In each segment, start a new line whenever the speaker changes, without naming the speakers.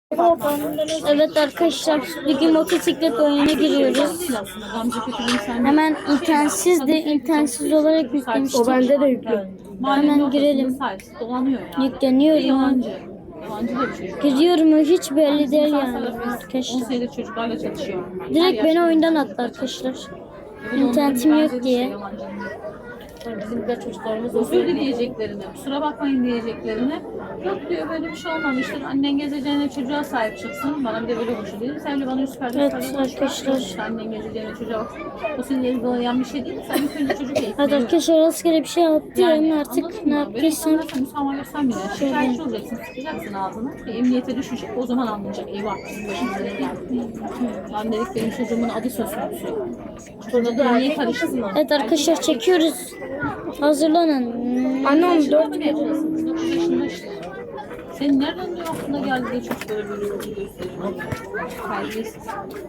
Evet arkadaşlar, bugün motosiklet oyununa giriyoruz. Hemen internetsiz olarak yüklemiştik.
O bende de yüklü.
Hemen girelim. Yükleniyorum. Giriyorum mu hiç belli değil yani arkadaşlar.
Çocuklarla çalışıyor.
Direkt beni oyundan attı arkadaşlar. İnternetim yok diye.
Bizim de çocuklarımız özür dileyeceklerini, kusura bakmayın diyeceklerini. Yok diyor, böyle bir şey olmamıştır. Annen gezeceğine çocuğa sahip çıksın. Bana bir de böyle konuşuyor değil mi? Sen de bana yüz perde
Evet arkadaşlar.
Annen gezeceğine çocuğa baksın. O senin elinde olan bir şey değil mi? Sen bir önce çocuk eğitim.
Evet arkadaşlar, rastgele bir şey yaptım artık ne yaptıysam.
Müsamaha görsen bile şikayetçi olacaksın, sıkacaksın ağzını. Bir emniyete düşecek, o zaman anlayacak. Eyvah, başımıza ne geldi. Ben dedik, benim çocuğumun adı söz konusu. Çocuğu da niye karıştın?
Evet arkadaşlar, çekiyoruz. Hazırlanın.
Annem 4
9 yaşında işte. Senin nereden diyor aklına geldi de çocuklara böyle yolcu gösteriyor? Terbiyesiz.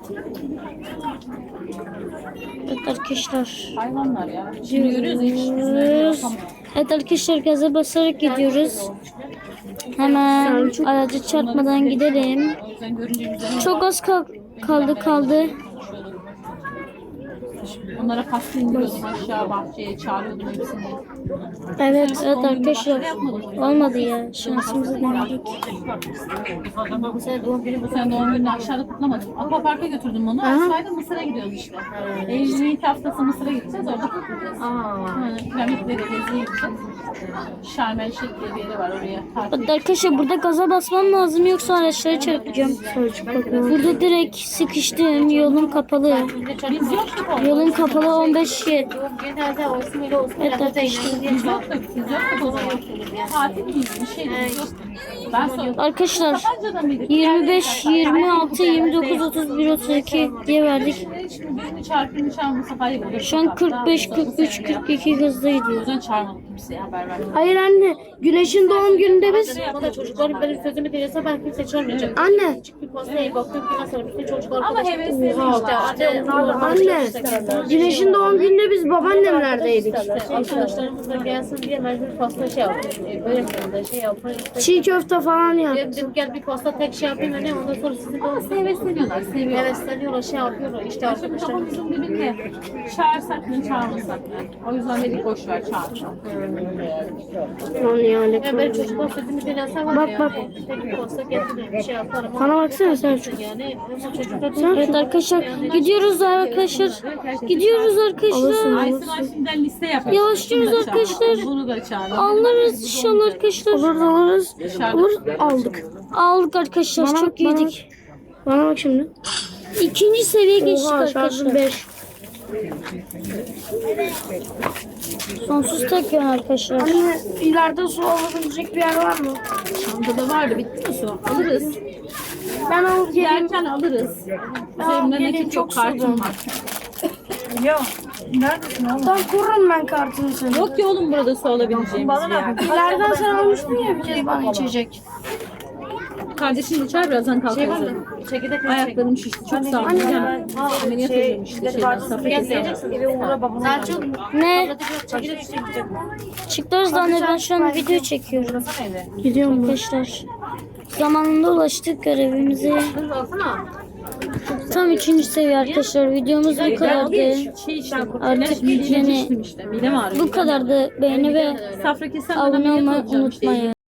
Evet arkadaşlar.
Hayvanlar ya. Şimdi görüyoruz hiç yüzüne bakamıyor.
Evet arkadaşlar, gaza basarak gidiyoruz. Hemen aracı çarpmadan gidelim.
O yüzden görünce yüzüne
Çok az kaldı.
onlara pasta indiriyordum aşağı bahçeye, çağırıyordum hepsini.
Evet arkadaşlar, olmadı ya, şansımızı denedik.
Bu sene doğum gününü aşağıda kutlamadım. Aquapark'a götürdüm onu. Aşağıda Mısır'a gidiyoruz işte. Eylül'ün ilk haftası Mısır'a gideceğiz. Orada kutlayacağız. Piramitleri geziye gideceğiz. Şarm El Şeyh diye bir yeri var oraya.
Evet arkadaşlar, burada gaza basmam lazım yoksa araçları çarpacağım. Burada direkt sıkıştım, yolum kapalı.
Biz yoktuk orada.
Yolum kapalı 15 yer. Evet arkadaşlar.
Biz yoktuk o zaman. Tatil miyiz? Bir şey yok. Ben sonra
Arkadaşlar
Sapanca'da mıydık?
25, 26, 29, 31, 32 diye verdik.
Şimdi birini çarpını çarpmasa hayır olur.
Şu an 45, 43, 42 hızla
O
gidiyor.
yüzden çağırmadım kimseye, haber vermedim.
Hayır anne, Güneş'in doğum gününde biz
Çocukların benim sözümü dinlese ben kimse çağırmayacağım.
anne
Bir postaya baktım ki nasıl bütün çocuklar
Ama hevesli işte.
anne Güneş'in doğum gününde biz babaannemlerdeydik.
arkadaşlarımız da gelsin diye mecbur posta şey yaptım. Böyle şey yapın.
Çiğ köfte falan yaptık.
Dedim gel bir posta tek şey yapayım ne ondan sonra sizin de
Hevesleniyorlar, seviyorlar.
hevesleniyorlar şey yapıyorlar işte
İşte
arkadaşlar.
kafamızın dibinde çağırsak mı çağırmasak mı? O yüzden dedik boş ver çağıralım.
Lan yani.
Ya benim çocuklar sözümü dinlese var
Bak,
ya.
bak.
Tek bir posta getirir bir şey yaparım.
Bana baksana Selçuk.
Yani ama çocuklar
Evet arkadaşlar, gidiyoruz arkadaşlar. Gidiyoruz arkadaşlar.
Aysin şimdiden liste yapalım.
Yavaşlıyoruz
Şunu da çağıralım,
arkadaşlar.
Bunu da çağıralım.
Alırız inşallah arkadaşlar.
Alırız. Alır aldık.
Aldık arkadaşlar, çok iyiydik.
Bana bak şimdi.
İkinci seviye geçtik
Oha şarjım
arkadaşlar.
5.
Sonsuz tek yön arkadaşlar.
Anne ileride su alabilecek bir yer var mı?
Çantada vardı, bitti mi su? Alırız.
Ben alıp geleyim.
Yerken alırız. Üzerimde
gelin,
nakit
çok
çok kartım
sıcak.
var.
Tam kururum ben kartını seni.
Yok ki oğlum burada su alabileceğimiz bir yer.
İleriden sen almıştın ya bir kez bana içecek.
Kardeşim içer, birazdan kalkarız.
Çekirdek
Ayaklarım şişti. Çok sağ ol. Ameliyat oluyorum işte. Safra kesiyorum.
Selçuk.
Ne?
Çekirdek çekecek.
Çıkıyoruz da anne, ben şu an video çekiyorum
Gidiyorum ben.
arkadaşlar. Zamanında ulaştık görevimize. Tam 3. seviye arkadaşlar. Videomuz bu kadardı.
Şey işte,
Artık
midem
yani
şiştim işte. Midem ağrıyor.
bu kadardı. Beğeni ve
Safra kesen
abone
ameliyat
olmayı
olacağım işte.
unutmayın.